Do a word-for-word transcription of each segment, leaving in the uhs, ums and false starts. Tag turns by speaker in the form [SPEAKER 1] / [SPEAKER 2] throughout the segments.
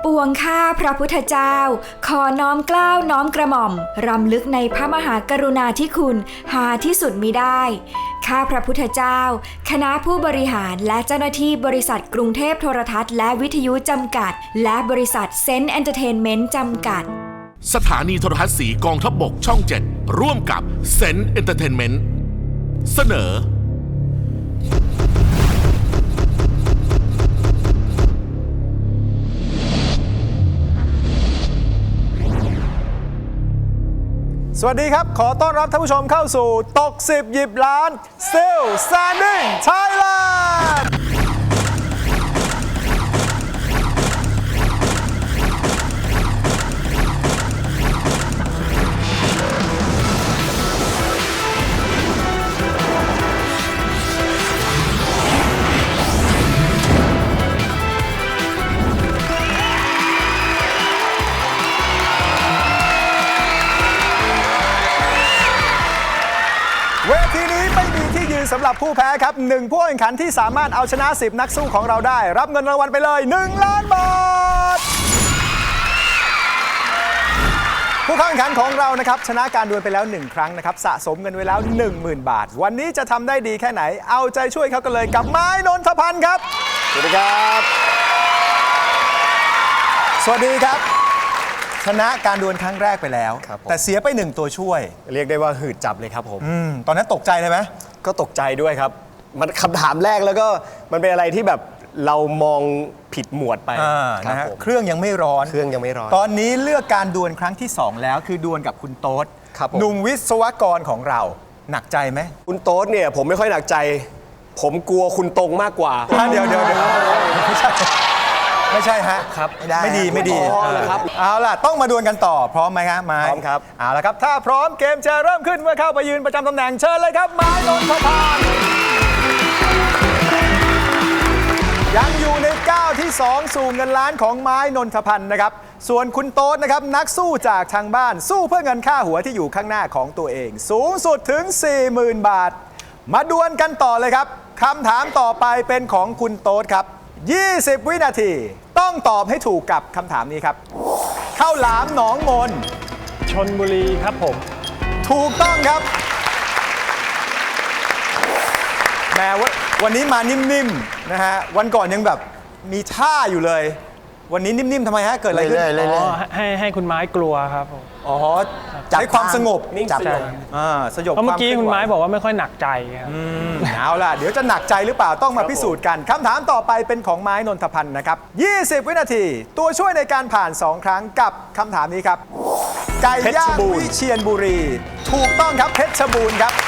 [SPEAKER 1] ปวงข้าพระพุทธเจ้าขอน้อมเกล้าน้อมกระหม่อมรำลึกในพระมหากรุณาธิคุณหาที่สุดมิได้ข้าพระพุทธเจ้าคณะผู้บริหารและเจ้าหน้าที่บริษัทกรุงเทพโทรทัศน์และวิทยุจำกัดและบริษัทเซนต์เอนเตอร์เทนเมนต์จำกัด
[SPEAKER 2] สถานีโทรทัศน์สีกองทัพบกช่องเจ็ดร่วมกับเซนต์เอนเตอร์เทนเมนต์เสนอ
[SPEAKER 3] สวัสดีครับขอต้อนรับท่านผู้ชมเข้าสู่ตกสิบหยิบล้าน Still Standing Thailand เวทีนี้ไม่มีที่ยืนสำหรับผู้แพ้ครับหนึ่งผู้แข่งขันที่สามารถเอาชนะสิบนักสู้ของเราได้รับเงินรางวัลไปเลยหนึ่งล้านบาทผู้เข้าแข่งขันของเรานะครับชนะการดวลไปแล้วหนึ่งครั้งนะครับสะสมเงินไว้แล้ว หนึ่งหมื่น บาทวันนี้จะทำได้ดีแค่ไหนเอาใจช่วยเขากันเลยกับไม้นนทพันธ์ครับสวัสดีครับสวัสดีครับชนะการดวลครั้งแรกไปแล้วแต่เสียไปหนึ่งตัวช่วย
[SPEAKER 4] เรียกได้ว่าหืดจับเลยครับผม
[SPEAKER 3] อืมตอนนั้นตกใจเลยไหม
[SPEAKER 4] ก็ตกใจด้วยครับมันคำถามแรกแล้วก็มันเป็นอะไรที่แบบเรามองผิดหมวดไป
[SPEAKER 3] นะฮะเครื่องยังไม่ร้อน
[SPEAKER 4] เครื่องยังไม่ร้อน
[SPEAKER 3] ตอนนี้เลือกการดวลครั้งที่สองแล้วคือดวลกับคุณโต๊ดหนุ่มวิศวกรของเราหนักใจไหม
[SPEAKER 4] คุณโต๊ดเนี่ยผมไม่ค่อยหนักใจผมกลัวคุณตรงมากกว่า
[SPEAKER 3] เดี๋ยวเดี๋ยวเดี๋ยวไม่ใช่ไม่ใช่ฮะ
[SPEAKER 4] ครับ
[SPEAKER 3] ไม่ดีไม่ดี
[SPEAKER 4] ครับ
[SPEAKER 3] เอาล่ะต้องมาดวลกันต่อพร้อมไหมครับไม้
[SPEAKER 4] พร้อมครับ
[SPEAKER 3] เอาล่ะครับถ้าพร้อมเกมจะเริ่มขึ้นเมื่อเข้าไปยืนประจำตำแหน่งเชิญเลยครับไม้นนทพันธ์ยังอยู่ในก้าวที่สองสู่เงินล้านของไม้นนทพันธ์นะครับส่วนคุณโต๊ดนะครับนักสู้จากทางบ้านสู้เพื่อเงินค่าหัวที่อยู่ข้างหน้าของตัวเองสูงสุดถึง สี่หมื่น บาทมาดวลกันต่อเลยครับคำถามต่อไปเป็นของคุณโต๊ดครับยี่สิบวินาทีต้องตอบให้ถูกกับคำถามนี้ครับข้าวหลามหนองมน
[SPEAKER 5] ชลบุรีครับผม
[SPEAKER 3] ถูกต้องครับแม้ว่าวันนี้มานิ่มๆนะฮะวันก่อนยังแบบมีท่าอยู่เลยวันนี้นิ่มๆทำไมฮะเกิดอะไรขึ้น
[SPEAKER 5] อ๋อให้ให้คุณไม้กลัวครับผม
[SPEAKER 3] อ๋อใช้ความสงบ
[SPEAKER 4] นิ่งสงบ
[SPEAKER 3] อ่าสยบ
[SPEAKER 5] เพราะเมื่อกี้คุณไม้บอกว่าไม่ค่อยหนักใจครับ
[SPEAKER 3] เอาล่ะเดี๋ยวจะหนักใจหรือเปล่าต้องมาพิสูจน์กันคำถามต่อไปเป็นของไม้นนทพันธ์นะครับยี่สิบวินาทีตัวช่วยในการผ่านสองครั้งกับคำถามนี้ครับไก่ย่างวิเชียรบุรีถูกต้องครับเพชรบูรณ์ครับ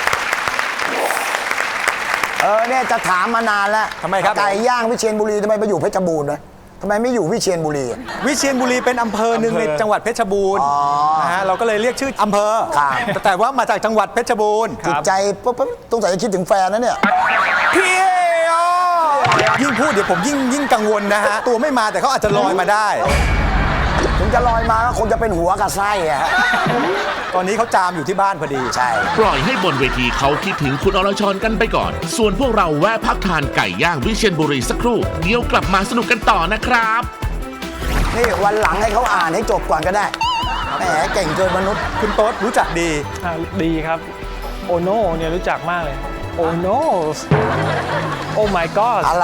[SPEAKER 6] เออเนี่ยจะถามมานานแล้ว
[SPEAKER 3] ทำไมครับ
[SPEAKER 6] ไก่ย่างวิเชียรบุรีทำไมไปอยู่เพชรบูรณ์นะทำไมไม่อยู่วิเชียรบุรี
[SPEAKER 3] วิเชียรบุรีเป็นอำเภอหนึ่งในจังหวัดเพชรบูรณ์นะฮะเราก็เลยเรียกชื่ออำเภอแต่ว่ามาจากจังหวัดเพชรบูรณ์
[SPEAKER 6] จิตใจปุ๊บปุ๊บต้องใส่จะคิดถึงแฟนนะเนี่ย
[SPEAKER 3] พี่ยิ่งพูดเดี๋ยวผมยิ่งยิ่งกังวลนะฮะตัวไม่มาแต่เขาอาจจะลอยมาได้
[SPEAKER 6] ถึงจะลอยมาก็คงจะเป็นหัวกับไส้อะ
[SPEAKER 3] ตอนนี้เขาจามอยู่ที่บ้านพอดี
[SPEAKER 6] ใช่
[SPEAKER 2] ปล่อยให้บนเวทีเขาคิดถึงคุณอรชรกันไปก่อนส่วนพวกเราแวะพักทานไก่ย่างวิเชียรบุรีสักครู่เดี๋ยวกลับมาสนุกกันต่อนะครับ
[SPEAKER 6] นี่วันหลังให้เขาอ่านให้จบก่อนก็ได้แหมเก่งเกินมนุษย์
[SPEAKER 3] คุณโต๊ดรู้จักดี
[SPEAKER 5] ดีครับโอโน่เนี่ยรู้จักมากเลยโอโน่โอ้ my god
[SPEAKER 6] อะไร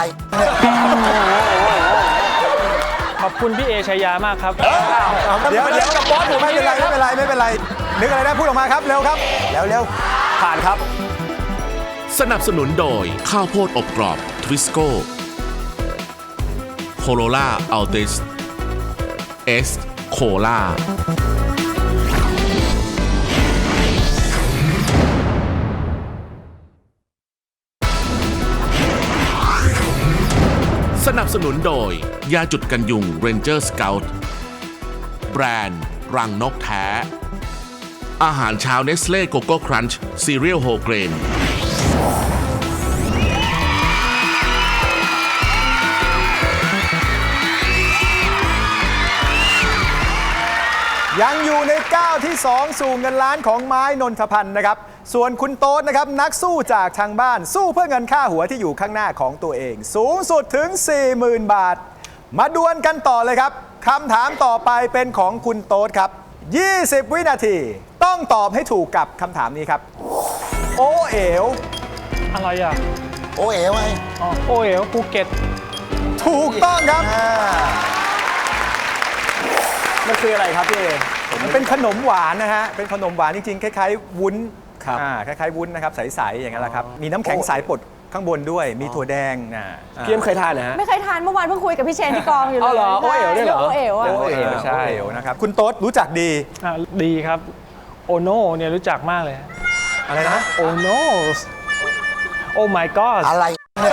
[SPEAKER 5] ขอบคุณพี่เอชายามากครับ
[SPEAKER 3] เดี๋ยวเดี๋ยวกับบอสผมไม่เป็นไรไม่เป็นไรไม่เป็นไรนึกอะไรได้พูดออกมาครับเร็วครับ
[SPEAKER 6] เร็วเร็ว
[SPEAKER 3] ผ่านครับ
[SPEAKER 2] สนับสนุนโดยข้าวโพดอบกรอบทวิสโก้โคโรล่าอัลติสเอสโคล่าสนับสนุนโดยยาจุดกันยุง Ranger Scout แบรนด์รังนกแท้อาหารเช้าเนสเล่โกโก้ครันช์ซีเรียลโฮเกรน
[SPEAKER 3] ยังอยู่ในก้าวที่สองสู่เงินล้านของไม้นนทพันธ์นะครับส่วนคุณโต๊ดนะครับนักสู้จากทางบ้านสู้เพื่อเงินค่าหัวที่อยู่ข้างหน้าของตัวเองสูงสุดถึง สี่หมื่น บาทมาดวลกันต่อเลยครับคำถามต่อไปเป็นของคุณโต๊ดครับยี่สิบวินาทีต้องตอบให้ถูกกับคำถามนี้ครับโอเอ๋ว
[SPEAKER 5] อะไรอ่ะ
[SPEAKER 6] โอเอ๋ไง
[SPEAKER 5] อ๋อโอเอ๋วภูเก็ต
[SPEAKER 3] ถูกต้องครับ
[SPEAKER 4] มันคืออะไรครับพี่เอ
[SPEAKER 3] มันเป็นขนมหวานนะฮะเป็นขนมหวานจริงๆคล้ายๆวุ้น
[SPEAKER 4] ครับ
[SPEAKER 3] อ่าคล้ายๆวุ้นนะครับใสๆอย่างนั้นแหละครับมีน้ำแข็งใสปดข้างบนด้วยมีถั่วแดงนะ
[SPEAKER 4] พี่เอ็มเคยทานนะฮะ
[SPEAKER 7] ไม่เคยทานเมื่อวานเพิ่งคุยกับพี่เชนที่กองอยู่เลย
[SPEAKER 4] เอาเหรอโอเอ๋วด้วยเหรอ
[SPEAKER 7] โอเอ๋วอะ
[SPEAKER 3] โอเอ๋วใช่นะครับคุณโต๊ดรู้จักดี
[SPEAKER 5] อ่ะดีครับโอโนเนี่ยรู้จักมากเลย
[SPEAKER 3] อะไรนะ
[SPEAKER 5] โอโนโอ้ my god
[SPEAKER 6] อะไรเนี่ย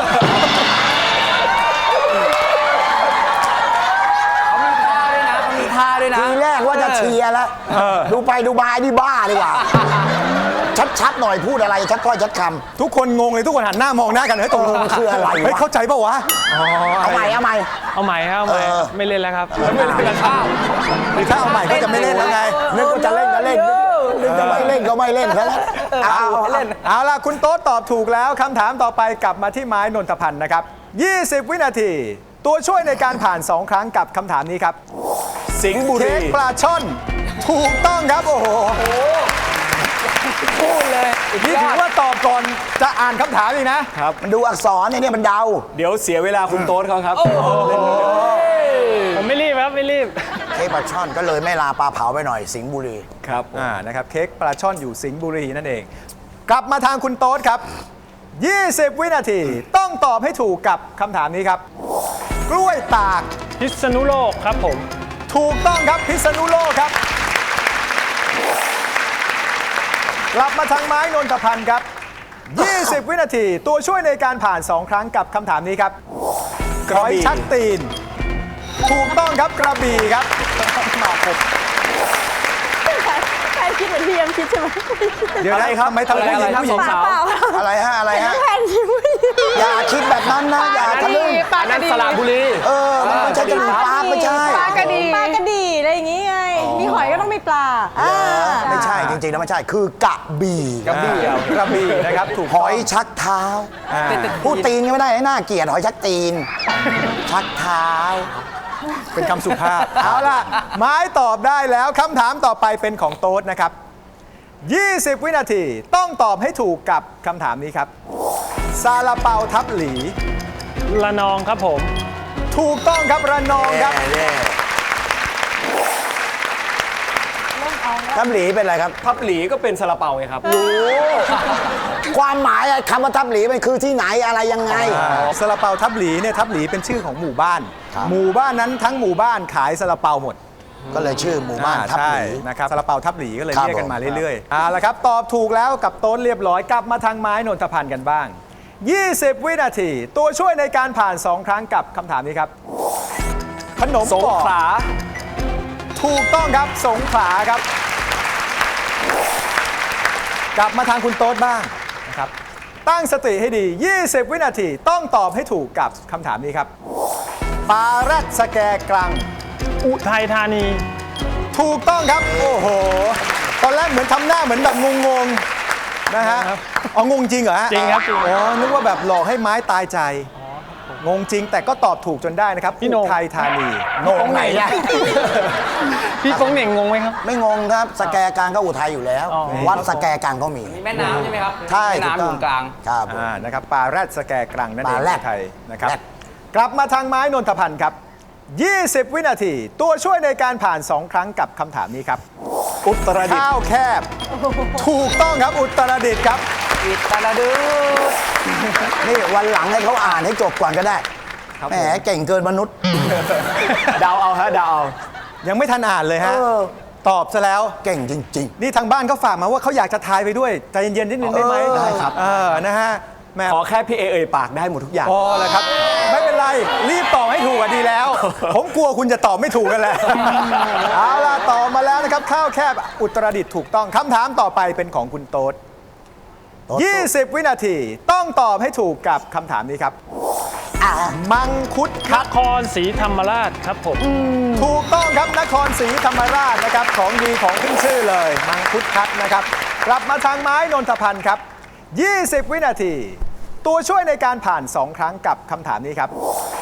[SPEAKER 4] มีท่าด้วยนะ
[SPEAKER 6] ทีแรกว่าจะเชียร์แล้ว ดูไปดูมาไอ้นี่บ้าดีกว่า ชัดๆหน่อยพูดอะไรชัดก้อยชัดค
[SPEAKER 3] ทุกคนงงเลยทุกคนหันหน้ามองหน้ากันเฮ้ยตกลง
[SPEAKER 6] เออคืออะไรวะ
[SPEAKER 3] เฮ้ยเข้าใจป่าวะอ๋อ
[SPEAKER 6] ำเอาใหม่เอาใหม่
[SPEAKER 5] เอาใหม่ครับเอาใหม่
[SPEAKER 6] เออ
[SPEAKER 5] ไม่เล่นแล้วครับ
[SPEAKER 4] ไม่เล่นกันข้าว
[SPEAKER 3] คือถ้าเอาใหม่ก็จะไม่เล่นแล้วไง
[SPEAKER 6] นึกว่าจะเล่นก็เล่นนึกจะไม่เล่นก็ไม่เล่นแค่นั้นเอาเอาเล่น
[SPEAKER 3] เอาล่ะคุณโต๊ดตอบถูกแล้วคำถามต่อไปกลับมาที่ไม้นนทพันธ์นะครับยี่สิบวินาที ตัวช่วยในการผ่านสองครั้งกับคำถามนี้ครับ
[SPEAKER 4] สิงห์บุ
[SPEAKER 3] เค้
[SPEAKER 4] รี
[SPEAKER 3] กปลาช่อนถูกต้องครับโอ้โห
[SPEAKER 4] พูดเลย
[SPEAKER 3] นี่ถือว่าตอบก่อนจะอ่านคำถามอีกนะ
[SPEAKER 4] ครับ
[SPEAKER 6] มันดูอักษรเนี่ยมันเดา
[SPEAKER 4] เดี๋ยวเสียเวลาคุณโต๊ดเขาครับ
[SPEAKER 5] ผมไม่รีบครับไม่รีบ
[SPEAKER 6] เค้กปลาช่อนก็เลยไม่ลาปลาเผาไปหน่อยสิงห์บุรี
[SPEAKER 4] ครับ
[SPEAKER 3] อ่านะครับเค้กปลาช่อนอยู่สิงห์บุรีนั่นเอง กลับมาทางคุณโต๊ดครับยี่สิบวินาทีต้องตอบให้ถูกกับคำถามนี้ครับ กล้วยตาก
[SPEAKER 5] พิษณุโลกครับผม
[SPEAKER 3] ถูกต้องครับพิษณุโลกครับ กลับมาทางไม้นนทพันธ์ครับยี่สิบวินาทีตัวช่วยในการผ่านสองครั้งกับคำถามนี้ครับ
[SPEAKER 4] กระบี่
[SPEAKER 3] หอยชักตีน ถูกต้องครับกระบี่ครับมาครบ
[SPEAKER 7] ใครคิดเหมือนพี่เอ็มคิดใช่ไหม
[SPEAKER 3] เดี๋ยวนะครับไม่ทำ
[SPEAKER 4] อะไร
[SPEAKER 3] ผู้หญิง
[SPEAKER 4] อะไร
[SPEAKER 3] ผู้หญิง
[SPEAKER 4] สาว
[SPEAKER 7] เปล่า
[SPEAKER 6] อะไรฮะอะไรฮะ
[SPEAKER 7] แผ่นคิ้ว
[SPEAKER 6] อย่าคิดแบบนั้นนะอย่าทะลึ่ง
[SPEAKER 4] อันนั้นสระบุรี
[SPEAKER 6] เออมันไม่ใช่จะมีปลาไม่ใช่
[SPEAKER 7] ปลากระดีปลากระดีอะไรอย่างงี้ไง มีหอยก็ต้องมีปลาอ่า
[SPEAKER 6] ไม่ใช่จริงๆแล้วไม่ใช่คือกระบี่
[SPEAKER 3] กระบี่อ่ะกระบี่นะครับถูก
[SPEAKER 6] หอยชักเท้า
[SPEAKER 3] อ่า
[SPEAKER 6] พูดตีนก็ไม่ได้น่าเกลียดหอยชักตีน ชักเท้า
[SPEAKER 3] เป็นคำสุภาพ เอาล่ะ ไม้ตอบได้แล้วคำถามต่อไปเป็นของโต๊ดนะครับยี่สิบวินาทีต้องตอบให้ถูกกับคำถามนี้ครับซาลาเปาทับหลี
[SPEAKER 5] ละนองครับผม
[SPEAKER 3] ถูกต้องครับระนองครับ
[SPEAKER 6] ทับหลีเป็นอะไรครับ
[SPEAKER 4] ทับหลีก็เป็นซาลาเปาไงครับ
[SPEAKER 6] ความหมายอะคำว่าทับหลีมันคือที่ไหนอะไรยังไง
[SPEAKER 3] ซาลาเปาทับหลีเนี่ยทับหลีเป็นชื่อของหมู่บ้าน
[SPEAKER 6] ครับ
[SPEAKER 3] หมู่บ้านนั้นทั้งหมู่บ้านขายซาลาเปาหมด
[SPEAKER 6] ก็เลยชื่อหมู่บ้าน
[SPEAKER 3] อ่
[SPEAKER 6] ทับหลี
[SPEAKER 3] ใช่นะครับซาลาเปาทับหลีก็เลย
[SPEAKER 6] ครับ
[SPEAKER 3] เรียกกันมา
[SPEAKER 6] ผม
[SPEAKER 3] เรื่อยๆเอาละครับตอบถูกแล้วกับโต๊ดเรียบร้อยกลับมาทางไม้นนทพันธ์กันบ้างยี่สิบวินาที ตัวช่วยในการผ่านสองครั้งกับคำถามนี้ครับ ขนม
[SPEAKER 4] สง
[SPEAKER 3] ปอก
[SPEAKER 4] ขลา
[SPEAKER 3] ถูกต้องครับสงขลาครับ กลับมาทางคุณโต๊ดบ้างนะครับตั้งสติให้ดียี่สิบวินาทีต้องตอบให้ถูกกับคำถามนี้ครับปลาแรดสแกกรัง
[SPEAKER 5] อุทัยธานี
[SPEAKER 3] ถูกต้องครับ โอ้โห ตอนแรกเหมือนทำหน้าเหมือนแบบงงๆนะฮะอ๋องงจริงเหรอฮะ
[SPEAKER 5] จริงครับจริง
[SPEAKER 3] อ๋อนึกว่าแบบหลอกให้ไม้ตายใจ งงจริงแต่ก็ตอบถูกจนได้นะครับ
[SPEAKER 5] พี่โหน่ง
[SPEAKER 3] อุทัยธานี
[SPEAKER 6] งงไหนอะ
[SPEAKER 5] พี่โป้งเหน่งงงไหมครับ
[SPEAKER 6] ไม่งงครับสแกกลางก็อุทัยอยู่แล้ว
[SPEAKER 5] อ๋อ
[SPEAKER 6] วัดสแกกลางก็มี
[SPEAKER 8] แม่น้ำใช่ไหมครับ
[SPEAKER 6] ใช่
[SPEAKER 8] แม่
[SPEAKER 6] ถูก
[SPEAKER 8] น้ำอ
[SPEAKER 6] ต้
[SPEAKER 8] ยู่
[SPEAKER 6] อง
[SPEAKER 8] กลาง
[SPEAKER 6] ครับผม
[SPEAKER 3] อ่านะครับปลาแรดสแกกรังนั่นเอง
[SPEAKER 6] ปลาแรด
[SPEAKER 3] อุทัยนะครับ
[SPEAKER 6] แรด
[SPEAKER 3] กลับมาทางไม้นนทพันธ์ครับยี่สิบวินาที ตัวช่วยในการผ่านสองครั้งกับคำถามนี้ครับ
[SPEAKER 4] อุตรดิตถ์
[SPEAKER 3] ข้าวแคบ ถูกต้องครับอุตรดิตถ์ครับ
[SPEAKER 8] อิตาลาดู
[SPEAKER 6] นี่วันหลังให้เขาอ่านให้จบก่อนก็ได้
[SPEAKER 3] ครับ
[SPEAKER 6] แหม
[SPEAKER 3] ผม
[SPEAKER 6] เก่งเกินมนุษย์
[SPEAKER 4] เดาเอาฮะเดาเอา
[SPEAKER 3] ยังไม่ทันอ่านเลยฮะ
[SPEAKER 6] เออ
[SPEAKER 3] ตอบซะแล้ว
[SPEAKER 6] เก่งจริง
[SPEAKER 3] นี่ทางบ้านเขาฝากมาว่าเขาอยากจะทายไปด้วยใจเย็นๆนิดนึงได้ไหม
[SPEAKER 6] เออได้ครับ
[SPEAKER 3] เออนะฮะแหม่
[SPEAKER 4] ขอแค่พี่เอเอ่ยปากได้หมดทุกอย่าง
[SPEAKER 3] พอแล้วครับ ไม่เป็นไร รีบตอบให้ถูกอ่ะดีแล้ว ผมกลัวคุณจะตอบไม่ถูกกันแหละ เอาล่ะตอบมาแล้วนะครับ ข้าวแคบอุตรดิตถ์ถูกต้องคำถามต่อไปเป็นของคุณโต๊ด
[SPEAKER 6] โต๊ด
[SPEAKER 3] ยี่สิบวินาทีต้องตอบให้ถูกกับคำถามนี้ครับ
[SPEAKER 6] อ่ะ
[SPEAKER 3] มังคุด
[SPEAKER 5] น
[SPEAKER 3] คัด
[SPEAKER 5] ครศรีธรรมราชครับผม
[SPEAKER 3] ถูกต้องครับนครศรีธรรมราชนะครับของดีของขึ้นชื่อเลย มังคุดคัดนะครับ กลับมาทางไม้นนทพันธ์ครับยี่สิบวินาที ตัวช่วยในการผ่านสองครั้งกับคำถามนี้ครับ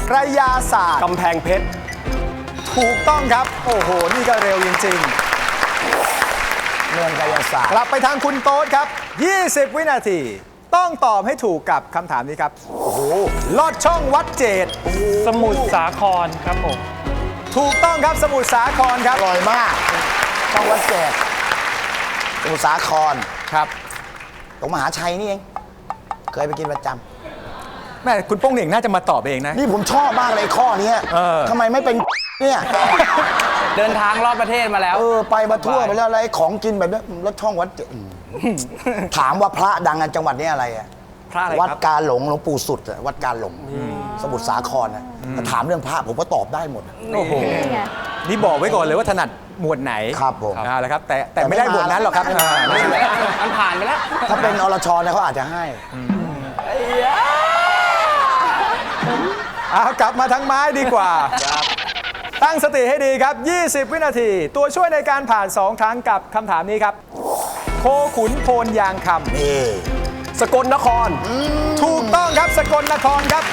[SPEAKER 3] กระยาศาสตร์
[SPEAKER 4] กำแพงเพชร
[SPEAKER 3] ถูกต้องครับ โอ้โห นี่ก็เร็วจริง
[SPEAKER 6] เมืองกายศาสต
[SPEAKER 3] ๆ
[SPEAKER 6] ร์
[SPEAKER 3] กลับไปทางคุณโต๊ดครับ ยี่สิบ วินาที ต้องตอบให้ถูกกับคำถามนี้ครับ โอ้โห ลอดช่องวัดเจด
[SPEAKER 5] สมุทรสาครครับผม
[SPEAKER 3] ถูกต้องครับสมุทรสาครครับ
[SPEAKER 6] อร่อยมากต้องวัดแจกสมุทรสาคร
[SPEAKER 3] ครับ
[SPEAKER 6] ตรงมหาชัยนี่เอง เคยไปกินประจ
[SPEAKER 3] แม่คุณโป้งเหน่งน่าจะมาตอบเองนะ
[SPEAKER 6] ำนี่ผมชอบมากเลยข้อเนี้ย
[SPEAKER 3] เออ
[SPEAKER 6] ทำไมไม่เป็นเนี่ย
[SPEAKER 8] เดินทางรอบประเทศมาแล้ว
[SPEAKER 6] เออไปมาทั่วไปแล้วอะไรของกินแบบเนี้ยรถช่องวัดเจดอืมถามว่าพระดังในจังหวัดนี้อะไรอะ
[SPEAKER 3] พระอะไร
[SPEAKER 6] วัด
[SPEAKER 3] ครับ
[SPEAKER 6] กาหลงหลวงปู่สุดอะวัดกาหลงสมุทรสาครนะถ้าถามเรื่องพระผมก็ตอบได้หมด
[SPEAKER 3] โอ้โห นี่บอกไว้ก่อนเลยว่าถนัดหมวดไหน
[SPEAKER 6] ครับผม
[SPEAKER 3] เอาละครับ แต่แต่ไม่ได้หมวดนั้นหรอกครับอ่า
[SPEAKER 8] มันผ่านไปแล้ว
[SPEAKER 6] ถ้าเป็นอรชรเนี่ยเขาอาจจะให้
[SPEAKER 3] เอากลับมาทั้งไม้ดีกว่า ตั้งสติให้ดีครับ ยี่สิบ วินาที ตัวช่วยในการผ่าน สอง ครั้งกับคำถามนี้ครับ โคขุนโพนยางค
[SPEAKER 6] นี่
[SPEAKER 4] สกลนคร
[SPEAKER 3] ำถูกต้องครับสกลนครครับ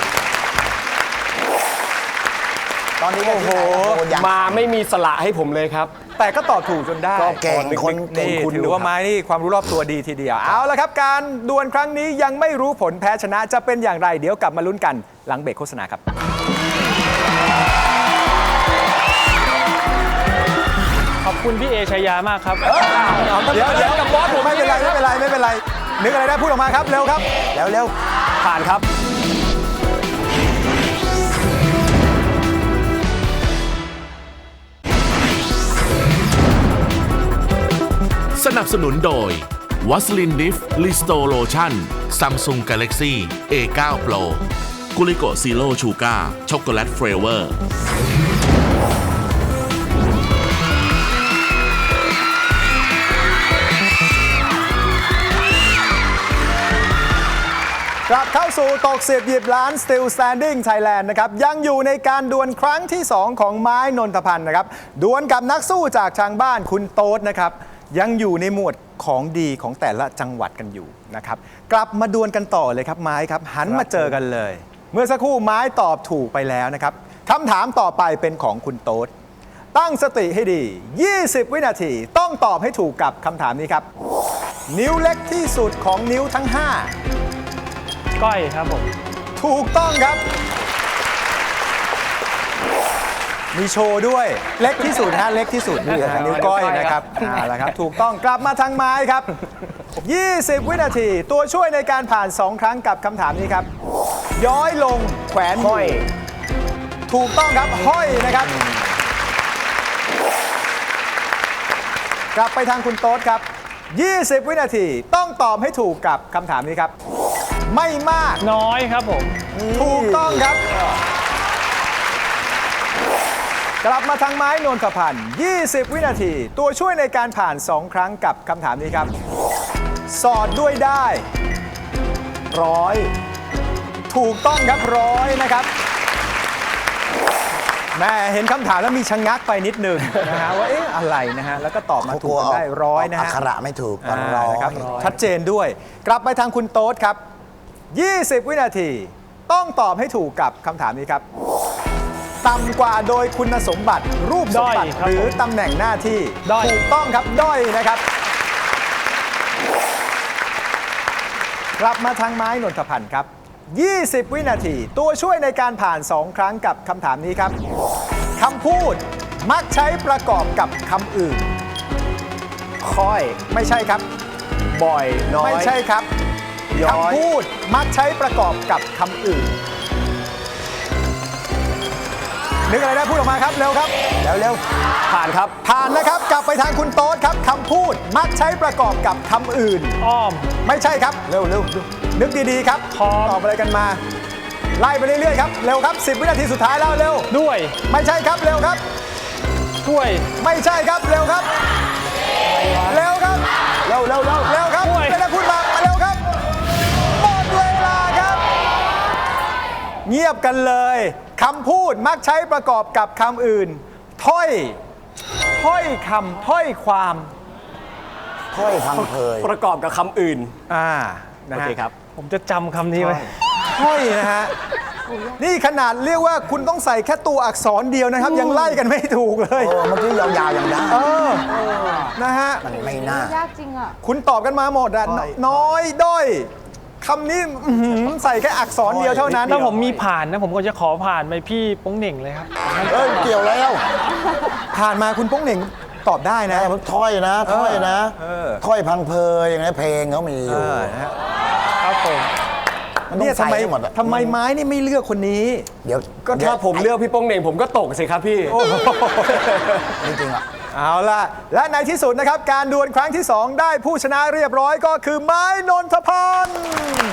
[SPEAKER 6] ตอนนี้ก็
[SPEAKER 3] โอ้โห
[SPEAKER 6] ที่ไหนนะโคนยาง
[SPEAKER 4] มาไม่มีสละให้ผมเลยครับ
[SPEAKER 3] แต่ก็ตอบถูกจนได้
[SPEAKER 6] ก็เก่งคนเก่ง
[SPEAKER 3] นี่
[SPEAKER 6] คุณ
[SPEAKER 3] ถื
[SPEAKER 6] ดู
[SPEAKER 3] อว่า
[SPEAKER 6] ครับ
[SPEAKER 3] ไม้นี่ความรู้รอบตัวดีทีเดียว เอาละครับ การดวลครั้งนี้ยังไม่รู้ผลแพ้ชนะจะเป็นอย่างไร เดี๋ยวกลับมาลุ้นกันหลังเบรกโฆษณาครับ
[SPEAKER 5] ขอบคุณพี่เอชายามากครับ
[SPEAKER 3] เดี๋ยวเดี๋ยวกับบอสผมไม่เป็นไรไม่เป็นไรไม่เป็นไร นึกอะไรได้พูดออกมาครับ เร็วครับ
[SPEAKER 6] แล้วเร็ว
[SPEAKER 4] ผ่านครับ
[SPEAKER 2] สนับสนุนโดยวัสลินดิฟลิสโตโลชั่นซัมซุงกาแล็กซี่ เอ ไนน์ Pro กุลิโกซีโร่ชูการ์ช็อกโกแลตเฟรเวอร์
[SPEAKER 3] กลับเข้าสู่ตกสิบหยิบล้าน Still Standing Thailand นะครับ ยังอยู่ในการดวลครั้งที่ สอง ของไม้นนทพันธ์นะครับ ดวลกับนักสู้จากทางบ้านคุณโต๊ดนะครับ ยังอยู่ในหมวดของดีของแต่ละจังหวัดกันอยู่นะครับ กลับมาดวลกันต่อเลยครับไม้ครับ หันมาเจอกันเลย เมื่อสักครู่ไม้ตอบถูกไปแล้วนะครับคำถามต่อไปเป็นของคุณโต๊ดตั้งสติให้ดี ยี่สิบ วินาทีต้องตอบให้ถูกกับคำถามนี้ครับ นิ้วเล็กที่สุดของนิ้วทั้งห้า
[SPEAKER 5] ก้อยครับผม
[SPEAKER 3] ถูกต้องครับ มีโชว์ด้วย เล็กที่สุดฮะเล็กที่สุดนะฮะนิ้วก้อยนะครับเอาละครับ ถูกต้องกลับมาทางไม้ครับ ยี่สิบ วินาที ตัวช่วยในการผ่าน สอง ครั้งกับคำถามนี้ครับ ย้อยลงแขวนห้อย ถูกต้องครับ ห้อยนะครับ กลับไปทางคุณโต๊ดครับ ยี่สิบ วินาทีต้องตอบให้ถูกกับคำถามนี้ครับ ไม่มาก
[SPEAKER 5] น้อยครับผม
[SPEAKER 3] ถูกต้องครับ กลับมาทางไม้นนทพันธ์ยี่สิบ วินาที ตัวช่วยในการผ่าน สอง ครั้งกับคำถามนี้ครับ สอดด้วยได้ ร้อย ถูกต้องครับร้อยนะครับแม่เห็นคำถามแล้วมีชะงักไปนิดหนึงนะฮะว่าเอ๊ะอะไรนะฮะแล้วก็ตอบมาถูกกันได้ร้อยนะ
[SPEAKER 6] อั
[SPEAKER 3] ฮะ
[SPEAKER 6] กขระไม่ถูกก็
[SPEAKER 3] อ่า
[SPEAKER 6] ร้อย
[SPEAKER 3] นะครับชัดเจนด้วย กลับไปทางคุณโต๊ดครับ ยี่สิบ วินาที ต้องตอบให้ถูกกับคำถามนี้ครับ ต่ำกว่าโดยคุณสมบัติรูปสมบัติ
[SPEAKER 5] ด้อยครับ
[SPEAKER 3] หรือ
[SPEAKER 5] ผม
[SPEAKER 3] ตำแหน่งหน้าที่
[SPEAKER 5] ด้อย
[SPEAKER 3] ถูกต้องครับ ด้อยนะครับ กลับมาทางไม้นนทพันธ์ครับ ยี่สิบ วินาที ตัวช่วยในการผ่าน สอง ครั้งกับคำถามนี้ครับคำพูดมักใช้ประกอบกับคำอื่น
[SPEAKER 4] ค่อย
[SPEAKER 3] ไม่ใช่ครับ
[SPEAKER 4] บ่อย น้อย
[SPEAKER 3] ไม่ใช่ครับ
[SPEAKER 4] ย้อย
[SPEAKER 3] คำพูดมักใช้ประกอบกับคำอื่น นึกอะไรได้พูดออกมาครับ เร็วครับ
[SPEAKER 6] แล้วเร็ว
[SPEAKER 4] ผ่านครับ
[SPEAKER 3] ผ่านนะครับ กลับไปทางคุณโต๊ดครับคำพูดมักใช้ประกอบกับคำอื่น
[SPEAKER 5] อ้อม
[SPEAKER 3] ไม่ใช่ครับ
[SPEAKER 6] เร็วเร็ว
[SPEAKER 3] นึกดีๆครับ
[SPEAKER 5] พร้อม
[SPEAKER 3] ตอบอะไรกันมา ไล่ไปเรื่อยๆครับ เร็วครับ สิบ วินาทีสุดท้ายแล้วเร็ว
[SPEAKER 5] ด้วย
[SPEAKER 3] ไม่ใช่ครับ เร็วครับ
[SPEAKER 5] ถ้วย
[SPEAKER 3] ไม่ใช่ครับ เร็วครับ เร็วครับ
[SPEAKER 6] เร็วเร็วเร็ว
[SPEAKER 3] เร็วครับ
[SPEAKER 5] ด้วย
[SPEAKER 3] ไม่ได้พูดมามาเร็วครับ หมดเวลาครับ เงียบกันเลยคำพูดมักใช้ประกอบกับคำอื่น ถ้อย ถ้อยคำถ้อยความ
[SPEAKER 6] ค่อยพังเพย
[SPEAKER 4] ประกอบกับคำอื่น
[SPEAKER 3] อ่านะ
[SPEAKER 4] โอ
[SPEAKER 3] ฮะ
[SPEAKER 4] เคครับ
[SPEAKER 5] ผมจะจำคำนี้ไว้
[SPEAKER 3] ถ้อยนะฮะนี่ขนาดเรียกว่าคุณต้องใส่แค่ตัวอักษรเดียวนะครับ ยังไล่กันไม่ถูกเลย
[SPEAKER 6] เออเมื่อกี้ยาวๆอย่างได้
[SPEAKER 3] เออนะฮะ
[SPEAKER 6] มันไม่น่า
[SPEAKER 7] ยากจริงอ่ะ
[SPEAKER 3] คุณตอบกันมาหมดอะน้อยด้อยคำนี้อื้อหือใส่แค่อักษรเดียวเท่านั้น
[SPEAKER 5] ถ้าผมมีผ่านนะผมก็จะขอผ่านไปพี่โป้งเหน่งเลยครับ
[SPEAKER 6] เอ้ยเกี่ยวแล้ว
[SPEAKER 3] ผ่านมาคุณโป้งเหน่งตอบได้นะ
[SPEAKER 6] แต่มันถ้อยนะถ้อยนะ
[SPEAKER 3] เออ
[SPEAKER 6] ถ้อยพังเพยอย่างนี้เพลงเขามีอยู่
[SPEAKER 5] ครับผม
[SPEAKER 6] มันต้อ
[SPEAKER 3] เนี่ย
[SPEAKER 6] ง
[SPEAKER 3] ทำ
[SPEAKER 6] ใส่
[SPEAKER 3] ไม
[SPEAKER 6] ให้หมดอะ
[SPEAKER 3] ทำไมไม้นี่ไม่เลือกคนนี้
[SPEAKER 6] เดี๋ยว
[SPEAKER 4] ก็ถ้าผมเลือกพี่โป้งเหน่งผมก็ตกสิครับพี่
[SPEAKER 6] จริงๆอ่ะ
[SPEAKER 3] เอาล่ะ และในที่สุดนะครับ การดวลครั้งที่ สอง ได้ผู้ชนะเรียบร้อยก็คือไม้นนทพันธ์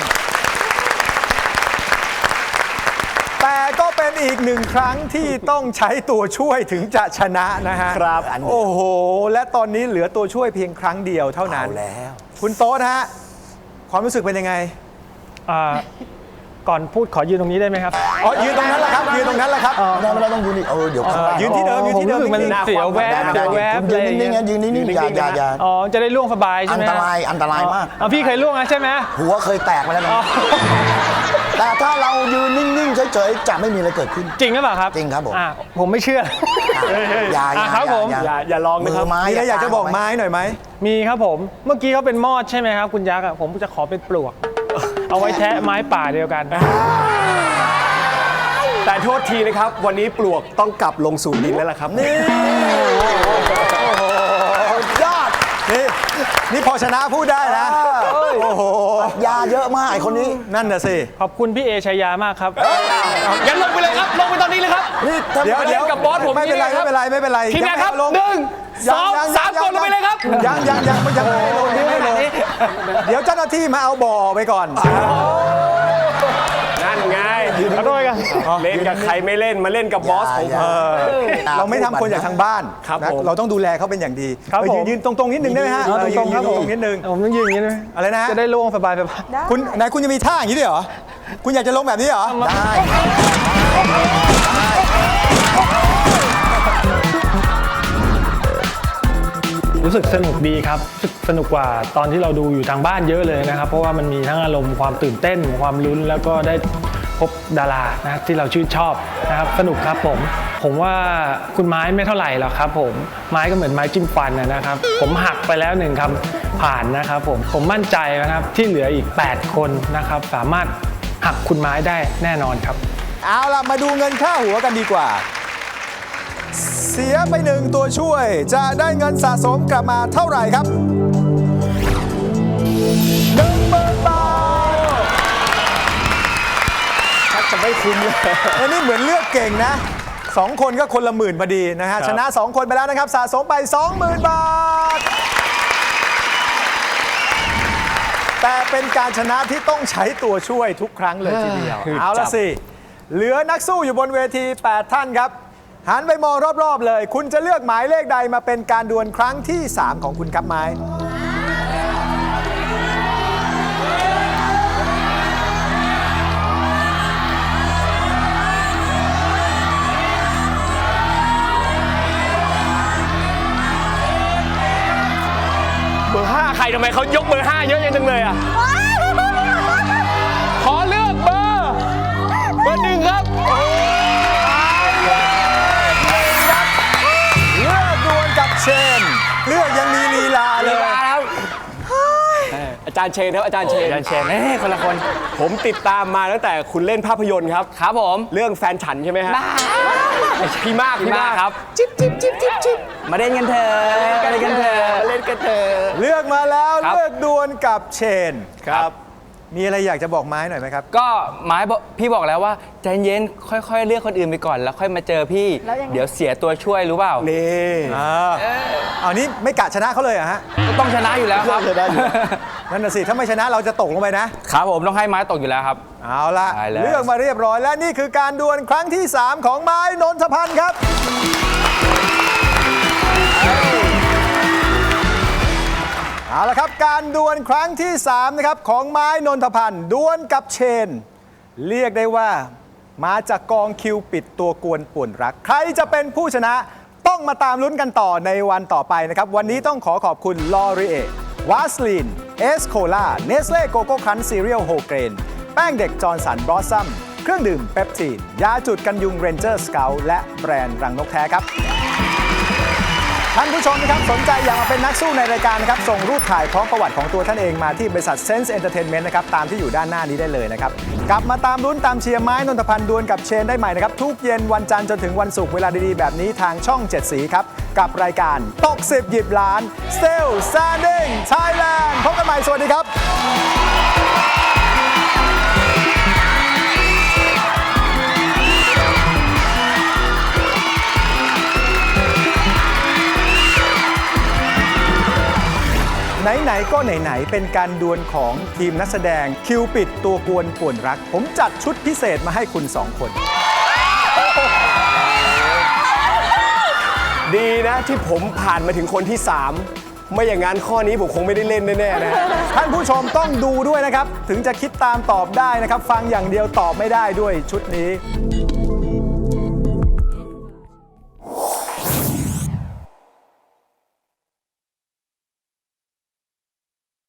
[SPEAKER 3] แต่ก็เป็นอีกหนึ่งครั้งที่ต้องใช้ตัวช่วยถึงจะชนะนะฮะ
[SPEAKER 4] ครับ
[SPEAKER 3] โอ้โห และตอนนี้เหลือตัวช่วยเพียงครั้งเดียวเท่านั้น
[SPEAKER 6] เอาแล้ว
[SPEAKER 3] คุณโต๊ดฮะ ความรู้สึกเป็นยังไง
[SPEAKER 5] อ่าก่อนพูดขอยืนตรงนี้ได้ไหมครับ
[SPEAKER 3] อ๋อ ยืนตรงนั้นแหละครับ ยืนตรงนั้นแหละครับ
[SPEAKER 6] ไม่ได้ไม่ได้ต้องยืนอีกเออเดี๋ยวข้างล่าง
[SPEAKER 3] ยืนที่เดิมยืนที่เดิม
[SPEAKER 5] ผมรู้สึกมัน
[SPEAKER 3] นิ่งๆ
[SPEAKER 5] เสียวแวบ
[SPEAKER 6] ได้
[SPEAKER 5] เสียวแวบ
[SPEAKER 6] ยื
[SPEAKER 5] อะไร
[SPEAKER 6] น
[SPEAKER 5] อย่าง
[SPEAKER 6] นิ่งๆ
[SPEAKER 5] เงี้
[SPEAKER 6] นะ
[SPEAKER 5] ย
[SPEAKER 6] ยืนนิ่งๆอย่าอย่าอย่า
[SPEAKER 5] อ๋อจะได้ล่วงสบาย
[SPEAKER 6] อั
[SPEAKER 5] ใช่
[SPEAKER 6] น
[SPEAKER 5] ไหม
[SPEAKER 6] ตรายอันตรายมาก
[SPEAKER 5] อ๋อพี่เคยล่วงแล้วใช่ไหม
[SPEAKER 6] หัวเคยแตกมาแล้วนะแต่ถ้าเรายืนนิ่งๆเฉยๆจะไม่มีอะไรเกิดขึ้น
[SPEAKER 5] จริงหรือเปล่าครับ
[SPEAKER 6] จริงครับผม
[SPEAKER 5] อ่ะผมไม่เชื่อ
[SPEAKER 6] อย่าอย่า
[SPEAKER 5] อ่ะครับผม
[SPEAKER 4] อย่าอย่าลอง
[SPEAKER 6] มื
[SPEAKER 4] นะครับ
[SPEAKER 6] อไม้
[SPEAKER 3] มีอะไรอยากจะบอกไม้หน่อยไหม
[SPEAKER 5] มีครับผมเมื่อกี้เขาเป็นมอดใช่ไหมครับคุณยักษ์อ่ะผมจะขอเป็นปลวก เอาไว้แทะไม้ป่าเดียวกัน
[SPEAKER 4] แต่โทษทีนะครับ วันนี้ปลวกต้องกลับลงสู่ดินแล้วล่ะครับ
[SPEAKER 3] นี่ยอด นี่ นี่พอชนะพูดได้นะ โอ้โห
[SPEAKER 6] ยาเยอะมากไอ้คนนี้
[SPEAKER 3] นั่นน่ะสิ
[SPEAKER 5] ขอบคุณพี่เอชายามากครับ
[SPEAKER 8] งั้นลงไปเลยครับ ลงไปตอนนี้เลยครับ
[SPEAKER 3] นี่เดี๋ยวเดี๋ยว
[SPEAKER 8] กับบอสผม
[SPEAKER 3] ไม่เป็นไร
[SPEAKER 8] นี่
[SPEAKER 3] ไม่
[SPEAKER 8] นะครับ
[SPEAKER 3] เป็นไรไม่เป็นไร
[SPEAKER 8] ทีมงานครับ
[SPEAKER 3] ยัไม่
[SPEAKER 8] หนึ่ง
[SPEAKER 3] ยั
[SPEAKER 8] สอง
[SPEAKER 3] ยั
[SPEAKER 8] สามกดลงไปเลยครับ
[SPEAKER 3] ยังยังยังยังไม่ให้ลงยังไม่ให้ลงเดี๋ยวเจ้าหน้าที่มาเอาบ่อไปก่อน
[SPEAKER 4] นั่นไง
[SPEAKER 5] ขอโทษครับ
[SPEAKER 4] เล่นกับใครไม่เล่นมาเล่นกับบอสผม
[SPEAKER 6] อย่า อย่า
[SPEAKER 3] เราไม่ทำคนจากทางบ้าน
[SPEAKER 4] ครับ
[SPEAKER 3] นะ
[SPEAKER 4] ผม
[SPEAKER 3] เราต้องดูแลเขาเป็นอย่างดี
[SPEAKER 5] ครับ
[SPEAKER 3] เออ
[SPEAKER 5] ผม
[SPEAKER 3] ยืนยืนตรงๆนิดนึงได้ไหมฮะ
[SPEAKER 5] อ๋อตรงๆครับ
[SPEAKER 3] เออ
[SPEAKER 5] ผม
[SPEAKER 3] ยืนตรงๆนิดนึง
[SPEAKER 5] ผมต้องยืนอย่างนี้ด้วย
[SPEAKER 3] อะไรนะฮะ
[SPEAKER 5] จะได้ล่วงสบายสบาย
[SPEAKER 3] คุณไหนคุณจะมีท่าอย่างนี้ด้วยเหรอ คุณอยากจะลงแบบนี้เหรอ
[SPEAKER 6] ได้
[SPEAKER 5] รู้สึกสนุกดีครับรู้สึกสนุกกว่าตอนที่เราดูอยู่ทางบ้านเยอะเลยนะครับ เพราะว่ามันมีทั้งอารมณ์ความตื่นเต้นความลุ้นแล้วก็ได้พบดารานะที่เราชื่นชอบนะครับสนุกครับผมผมว่าคุณไม้ไม่เท่าไหร่หรอกครับผมไม้ก็เหมือนไม้จิ้มฟันนะครับ ผมหักไปแล้วหนึ่งคำผ่านนะครับผมผมมั่นใจนะครับที่เหลืออีกแปดคนนะครับสามารถหักคุณไม้ได้แน่นอนครับ
[SPEAKER 3] เอาล่ะ มาดูเงินค่าหัวกันดีกว่า เสียไปหนึ่งตัวช่วย จะได้เงินสะสมกลับมาเท่าไหร่ครับหนึ่งหมื่นบาท
[SPEAKER 4] ชักจะไม่คุ้มเลย
[SPEAKER 3] อันนี้เหมือนเลือกเก่งนะสองคนก็คนละหมื่นพอดีนะฮะ ชนะสองคนไปแล้วนะครับ สะสมไป สองหมื่น บาท แต่เป็นการชนะที่ต้องใช้ตัวช่วยทุกครั้งเลยทีเดียว
[SPEAKER 4] คือ
[SPEAKER 3] เอาละ
[SPEAKER 4] จับ
[SPEAKER 3] สิ เหลือนักสู้อยู่บนเวที แปด ท่านครับ หันไปมองรอบ ๆ เลย คุณจะเลือกหมายเลขใดมาเป็นการดวลครั้งที่ สาม ของคุณครับไม้
[SPEAKER 4] เบอร์ห้าใครทำไมเขายกเบอร์ห้าเยอะจังเลยอ่ะ ขอเลือกเบอร์ เบอร์หนึ่งครับ
[SPEAKER 3] เลือกดวลกับเชน เลือกยังมีลีลาเลย
[SPEAKER 4] อาจารย์เชนครับอาจารย์เชน
[SPEAKER 8] อาจารย์เชนเอ้ยคนละคน
[SPEAKER 4] ผมติดตามมาตั้งแต่คุณเล่นภาพยนตร์ครับ
[SPEAKER 8] ครับผม
[SPEAKER 4] เรื่องแฟนฉันใช่ไหมฮะพี่มาก
[SPEAKER 8] พี่มากครับ
[SPEAKER 4] จิ๊บจิ๊บจิ๊บจิ๊บจิ๊บ
[SPEAKER 8] มาเล่นกันเถอะมาเล่นกันเถอะ
[SPEAKER 4] เล่นกันเถอะ
[SPEAKER 3] เลือกมาแล้ว
[SPEAKER 8] ครับ
[SPEAKER 3] เลือกดวลกับเชน
[SPEAKER 4] ครับ
[SPEAKER 3] มีอะไรอยากจะบอกไม้หน่อยไหมครับ
[SPEAKER 8] ก็ไม้บอกพี่บอกแล้วว่าใจเย็นค่อยๆ เลือกคนอื่นไปก่อนแล้วค่อยมาเจอพี่
[SPEAKER 7] แล้วยังไง
[SPEAKER 8] เดี๋ยวเสียตัวช่วยรู้เปล่า
[SPEAKER 4] นี่
[SPEAKER 3] อ่าเอานี้ไม่กะชนะเขาเลยเหรอะฮะ
[SPEAKER 8] ก็ต้องชนะอยู่แล้วครับ
[SPEAKER 3] นั่นน่ะสิ ถ้าไม่ชนะเราจะตกลงไปนะ
[SPEAKER 8] ครับผมต้องให้ไม้ตกอยู่แล้วครับ
[SPEAKER 3] เอาละ
[SPEAKER 8] ได้แล้ว
[SPEAKER 3] เลือกมาเรียบร้อยและนี่คือการดวลครั้งที่ สาม ของไม้นนทพันธ์ครับ เอาละครับการดวลครั้งที่ สาม นะครับของไม้นนทพันธ์ดวลกับเชน เรียกได้ว่ามาจากกองคิวปิดตัวกวนป่วนรัก ใครจะเป็นผู้ชนะต้องมาตามลุ้นกันต่อในวันต่อไปนะครับ วันนี้ต้องขอขอบคุณลอรีเอวาสลีนเอสโคลาเนสเล่โกโก้ครันซีเรียลโฮเกรนแป้งเด็กจอร์นสันบลอสซัมเครื่องดื่มเปปทีนยาจุดกันยุงเรนเจอร์สเกลและแบรนด์รังนกแท้ครับท่านผู้ชมนะครับสนใจอยากมาเป็นนักสู้ในรายการนะครับส่งรูปถ่ายพร้อมประวัติของตัวท่านเองมาที่บริษัท Sense Entertainment นะครับตามที่อยู่ด้านหน้านี้ได้เลยนะครับกลับมาตามลุ้นตามเชียร์ไม้นนทพันธ์ดวลกับเชนได้ใหม่นะครับทุกเย็นวันจันทร์จนถึงวันศุกร์เวลาดีๆแบบนี้ทางช่องเจ็ดสีครับกับรายการตกสิบหยิบล้าน Still Standing Thailand พบกันใหม่สวัสดีครับไหนๆก็ไหนๆเป็นการดวลของทีมนักแสดงคิวปิดตัวกวนป่วนรักผมจัดชุดพิเศษมาให้คุณสองคน
[SPEAKER 4] ดีนะที่ผมผ่านมาถึงคนที่สามไม่อย่างนั้นข้อนี้ผมคงไม่ได้เล่นแน่ๆนะ
[SPEAKER 3] ท่านผู้ชมต้องดูด้วยนะครับ ถึงจะคิดตามตอบได้นะครับ ฟังอย่างเดียวตอบไม่ได้ด้วยชุดนี้